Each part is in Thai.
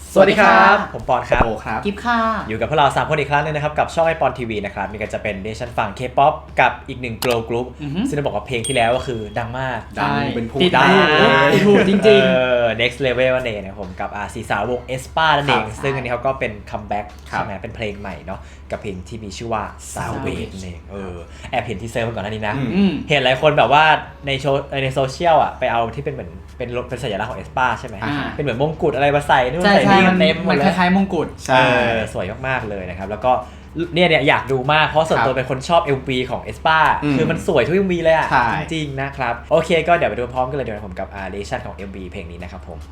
สวัสดีครับผมปอนครับโอครับกิฟค่ะอยู่กับพวกเรา3คนอีกครั้งนึงนะครับกับช่องไอปอนทีวีนะครับมีกันจะเป็นเดชั่นฝั่ง K-POP กับอีกหนึ่ง girl group ซึ่งต้องบอกว่าเพลงที่แล้วก็คือดังมากดังเป็นผู้ติดดังหูจริง next level นั่นเองนะครับผมกับสีสาววง aespa นั่นเองซึ่งอันนี้เขาก็เป็นคัมแบ็กใช่ไหมเป็นเพลงใหม่เนาะกับเพลงที่มีชื่อว่า Savage นั่นเองแอบเห็นทีเซอร์มาก่อนหน้านี้นะเห็นหลายคนแบบว่าในโซเชียลอ่ะไปเอาที่เป็นเหมือนเป็นสัญลักษณ์ของ aespa ใช่ไหมเป็นเหมือนมงกุฎอะไรมาใส่นู่นใส่นี่เต็มหมดเลยคล้ายๆมงกุฎใช่สวยมากๆเลยนะครับแล้วก็เนี่ยอยากดูมากเพราะส่วนตัวเป็นคนชอบ MV ของ aespa คือมันสวยทุก MV เลยอ่ะจริงๆนะครับโอเคก็เดี๋ยวไปดูพร้อมกันเลยเดี๋ยวผมกับเรชั่นของ MV เพลงนี้นะครับผม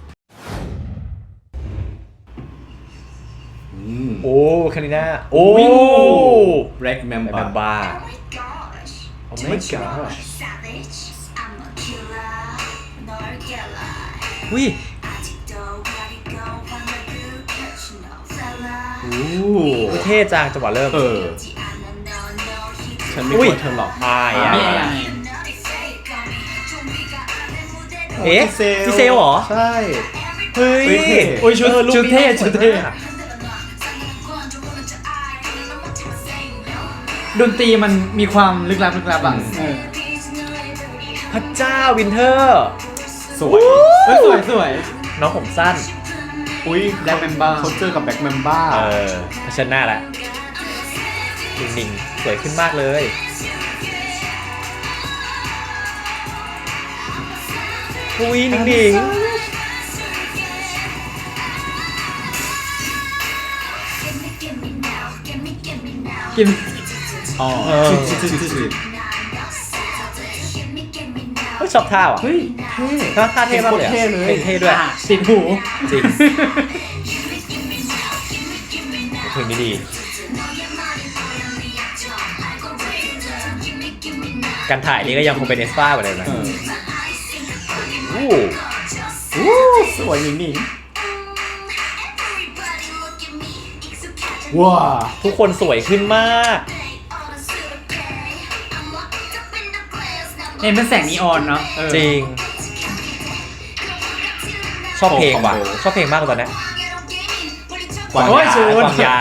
โอ้คาริน่าโอ้ Black Mamba แมมบ้า Oh my god วิเท่จังจังหวะเริ่มฉันไม่กลัวเธอหรอกซีเซลเหรอใช่เฮ้ยโอ้ยชุดเท่ดนตรีมันมีความลึกลับอ่ะพระเจ้าวินเทอร์สวยสวยน้องผมสั้นอุ้ย Black Mamba เขาเจอกับ Black Mamba เผชิญหน้าแล้วนิ่งๆสวยขึ้นมากเลยอุ้ยนิ่งกินชอบท่าว่ะเฮ้ยท่าเท่มากเลย เท่ด้วยติดหูจริงเพลงนี้ดีการถ่ายนี่ก็ยังคงเป็นaespaเหมือนเดิมนะสวยนิ่งว้าทุกคนสวยขึ้นมากเป็นแสงนีออนเนาะจริงชอบเพลงว่ะชอบเพลงมากตอนนี้กวางยา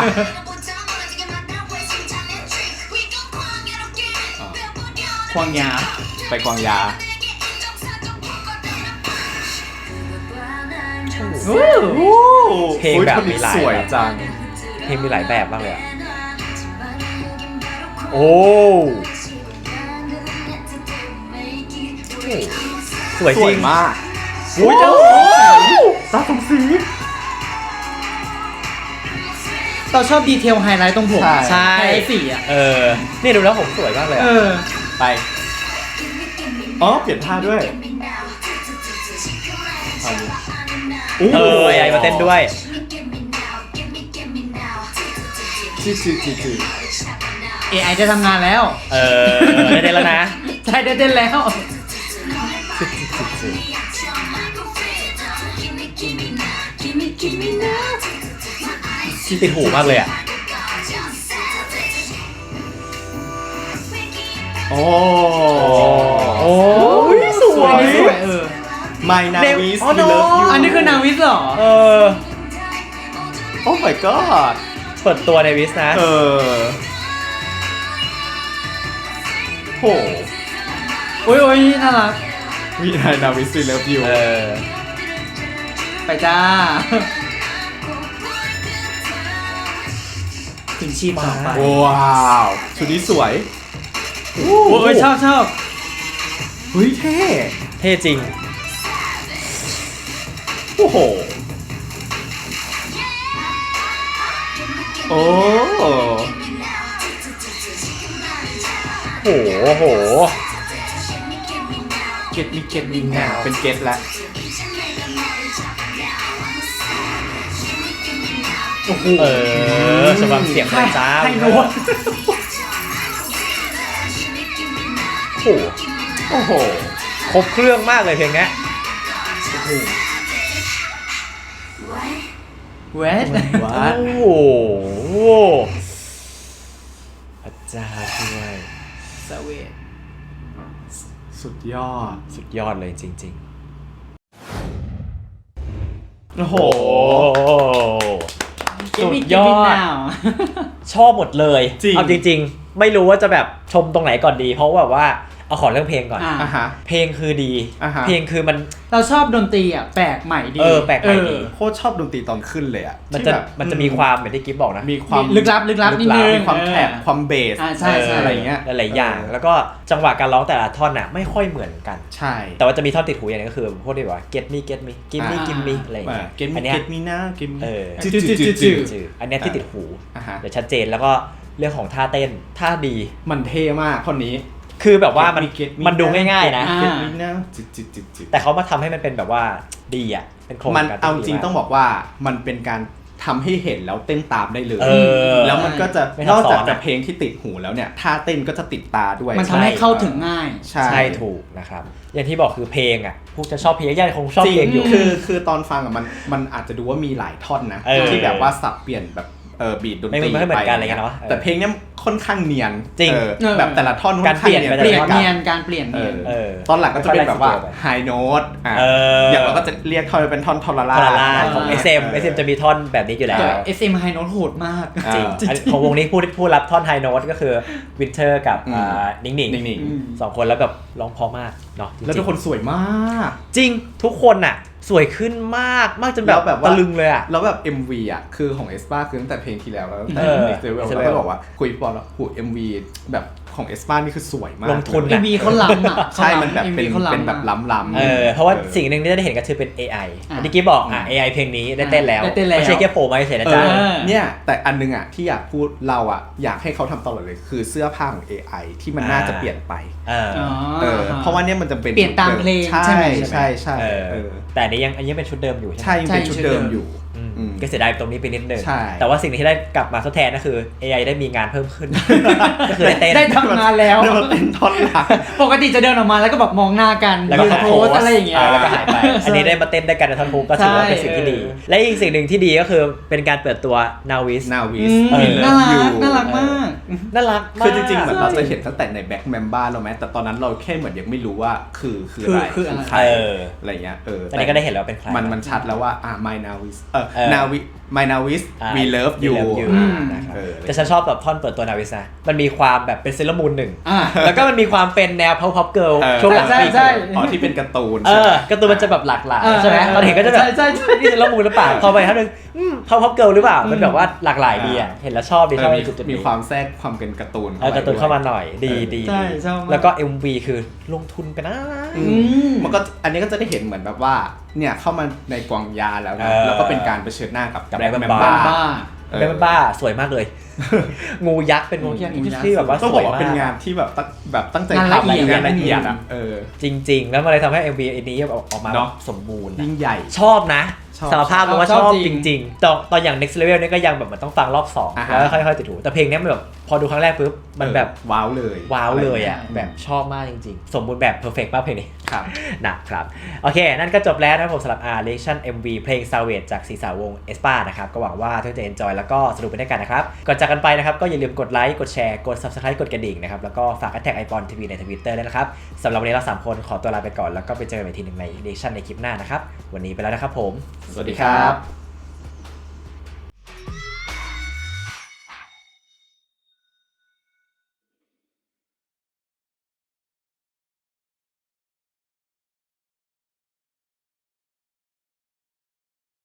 ไปกวางยาเพลงแบบมีหลายสวยจังเพลงมีหลายแบบมากเลยอ่ะโอ้สวยจริงมากอุ้ยตาสมศรีเราชอบดีเทลไฮไลท์ตรงผมใช่ไฮไลท์สีอ่ะนี่ดูแล้วผมสวยมากเลยไปเปลี่ยนท่าด้วย AI มาเต้นด้วย AI จะทำงานแล้วได้เต้นแล้วนะใช่ได้เต้นแล้วติดหูมากเลยอ่ะโอ้สวย My Navis We Love You อันนี้คือนาวิสเหรอ Oh my god เปิดตัวในวิสนะโหโอ้ยน่ารัก My Navis We Love You ไปจ้าถึงชีพต่อไปว้าวชุดนี้สวยโอ้ยชอบเฮ้ยเท่จริงโอ้โหโอ้โหเก็ตมีหนาเป็นเก็ตละโอ้โหสำหรับเสียงไฟจ้าให้โน้ตโอ้โหครบเครื่องมากเลยเพลงนี้เวทโอ้โหพระเจ้าช่วยสเวทสุดยอดเลยจริงๆโอ้โหสุดยอดชอบหมดเลยจริงเอาจริงๆ ไม่รู้ว่าจะแบบชมตรงไหนก่อนดี เพราะแบบว่าเอาขอเรื่องเพลงก่อนอ่าฮะเพลงคือดี เพลงคือมันเราชอบดนตรีอ่ะแปลกใหม่ดีแปลกใหม่ดีโคตรชอบดนตรีตอนขึ้นเลยอ่ะมันจะมีความเหมือนที่กิฟบอกนะมีความลึกลับนิดนึงมีความแคบความเบสใช่อะไรเงี้ยหลายๆอย่าง แล้วก็จังหวะการร้องแต่ละท่อนน่ะไม่ค่อยเหมือนกันใช่แต่ว่าจะมีท่อนติดหูอย่างนึงก็คือพวกที่แบบว่า get me give me give me อะไรอย่างเงี้ยเกมอันเนี้ยเกมมีนะเกมจืดอันเนี้ยที่ติดหูอ่าฮะเดี๋ยวชัดเจนแล้วก็เรื่องของท่าเต้นท่าดีมันเท่มากคนนี้คือแบบว่ามัน Get me มันดูง่ายๆนะอ่าเกมมีนะจิตแต่เขามาทำให้มันเป็นแบบว่าดีอ่ะเป็นโครงมันการเอาจริงที่ดีมต้องบอกว่ามันเป็นการทำให้เห็นแล้วเต้นตามได้เลยเออแล้วมันก็จะไม่นซัอบ กซ้อนจากอะจะเพลงที่ติดหูแล้วเนี่ยท่าเต้นก็จะติดตาด้วยมันทำให้เข้าถึงง่ายใช่ใช่ถูกนะครับอย่างที่บอกคือเพลงอ่ะพวกจะชอบเพลงยากๆคงชอบเพลงอยู่คือตอนฟังอ่ะมันอาจจะดูว่ามีหลายท่อนนะเออที่แบบว่าสับเปลี่ยนแบบบีดดนตรีไม่เหมือนกันอะไรเงี้ยเนอะแต่เพลงเนี้ยค่อนข้างเนียนจริงแบบแต่ละท่อนการเปลี่ยนไปเปลี่ยนกัเนียนการเปลี่ยนเนียนตอนหลังก็จะเป็นแบบว่าค่อยๆไล่สเกลไปไฮโน้ตออย่างเราก็จะเรียกท่อนเป็นท่อนทอร์ราทอร์ล่าของ SM จะมีท่อนแบบนี้อยู่แล้วแต่ SM High Note โหดมากจริงอันของวงนี้ผู้รับท่อนไฮโน้ตก็คือวินเทอร์กับนิ่งนิ่งสองคนแล้วแบบร้องเพราะมากเนาะจริงๆแล้วทุกคนสวยมากจริงทุกคนน่ะสวยขึ้นมากจนแล้วแบบว่าตะลึงเลยอ่ะแล้วแบบ MV อ่ะคือของเอสปาคือตั้งแต่เพลงที่แล้วตั้งแต่ Next Level Next เรา Level ก็บอกว่าคุยปอนแล้วหู MV แบบของเอสปานี่คือสวยมากลงทุน MV เขาล้ำอ่ะใช่มันแบบเป็นเขาล้ำเป็นแบบล้ำเพราะว่าสิ่งหนึ่งที่ได้เห็นก็คือเป็น AI อันนี้กี้บอกAI เพลงนี้ได้เต้นแล้วได้เต้นแล้วไม่ใช่แค่โผล่มาเฉยๆนะจ๊ะเนี่ยแต่อันนึงอ่ะที่อยากพูดเราอ่ะอยากให้เขาทำตลอดเลยคือเสื้อผ้าของ AI ที่มันน่าจะเปลี่ยนไป เพราะว่าเนี่ยมันจะเป็นเปลี่ยนตามเพลงใช่ใช่ไหมใช่แต่อันนี้ยังเป็นชุดเดิมอยู่ใช่ไหมใช่ยังเป็นชุดเดิมอยู่ก็เสียดายตรงนี้ไปนิดนึงใช่แต่ว่าสิ่งที่ได้กลับมาทดแทนก็คือ AI ได้มีงานเพิ่มขึ้น ก็คือได้เต้นได้ทำงานแล้วเดี๋ยวมันเป็นท่อนหลักปกติจะเดินออกมาแล้วก็แบบมองหน้ากันแล้วก็ยืนโพสอะไรอย่างเงี้ยแล้วก็หายไป อันนี้ได้มาเต้นด้วยกันในท่อนฮุกก็ถือว่าเป็นสิ่งที่ดี และอีกสิ่งหนึ่งที่ดีก็คือเป็นการเปิดตัว Navis นาวิสน่ารักมากน่ารักมากคือจริงๆเหมือนเราจะเห็นตั้งแต่ในแบ็คแมมบ้าเราไหมแต่ตอนนั้นเราแค่เหมือนยังไม่รู้ว่าคืออะไรคืออะไรใครอะไรเงี้ยอันนี้ก็ได้เห็นแล้วเป็นใครมันชัดแล้วว่าMy Navis Navis My Navis we love you นะครับแต่ฉันชอบแบบท่อนเปิดตัว Navis นะมันมีความแบบเป็นเซเลอรามูนหนึ่งอ่าแล้วก็มันมีความเป็นแนว pop pop girl ช่วงหลังใช่ปีใช่อ๋อที่เป็นการ์ตูนการ์ตูนมันจะแบบหลากหลายใช่ไหมตอนเห็นก็จะแบบใช่นี่เซเลอรามูนหรือเปล่าพอไปท่านนึงpop pop girl หรือเปล่ามันแบบว่าหลากหลายดีอ่ะเห็นแล้วชอบดีชอบในจุดนี้มีความแทรกความเป็นการ์ตูนการ์ตูนเข้ามาหน่อยดีใช่ชอบมากแล้วก็ MV คือลงทุนไปนะมันก็อันนี้ก็จะได้เห็นเหมือนแบบว่าเนี่ยเข้ามาในกวางยาแล้วนะแล้วก็เป็นการเผชิญหน้ากับ Black Black Mamba Mamba เป็นบ้าสวยมากเลย งูยักษ์เป็นงูยักษ์ที่แบบว่าต้องสบวอย กว่ามาเป็นกงานที่แบบตั้งใจงานละทำเอียดงานละเอียดอ่ะจริง ๆ แล้วมันเลยทำให้ MV อันนี้ออกมาเนอะสมบูรณ์ยิ่งใหญ่ชอบนะชอบสารภาพเลยว่าชชอบอบจจริงริงๆตอนอย่าง next level เนี่ยก็ยังแบบมันต้องฟังรอบ2แล้วค่อยๆติดหูแต่เพลงนี้มันแบบพอดูครั้งแรกปุ๊บมันแบบว้าวเลยว้าวเลยอ่ะแบบชอบมากจริงๆ สมบูรณ์แบบ perfect มากเพลงนี้ครับนะครับโอเค นั่นก็จบแล้วนะครับผมสำหรับ reaction MV เพลง Savage จากสีสาวง aespa นะครับก็หวังว่าทุกคนจะ enjoy แล้วก็สนุกไปด้วยกันนะครับก่อนจากกันไปนะครับก็อย่าลืมกดไลค์กดแชร์กด subscribe กดกระดิ่งนะครับแล้วก็ฝาก hashtag #iPonTV ใน Twitter ด้วยนะครับสำหรับวันนี้เรา3คนขอตัวลาไปก่อนแล้วก็ไปเจอกันอีกทีหนึ่งใน reaction ในคลิปหน้านะครับวันนี้ไปแล้วนะครับผมสวัสดีครับ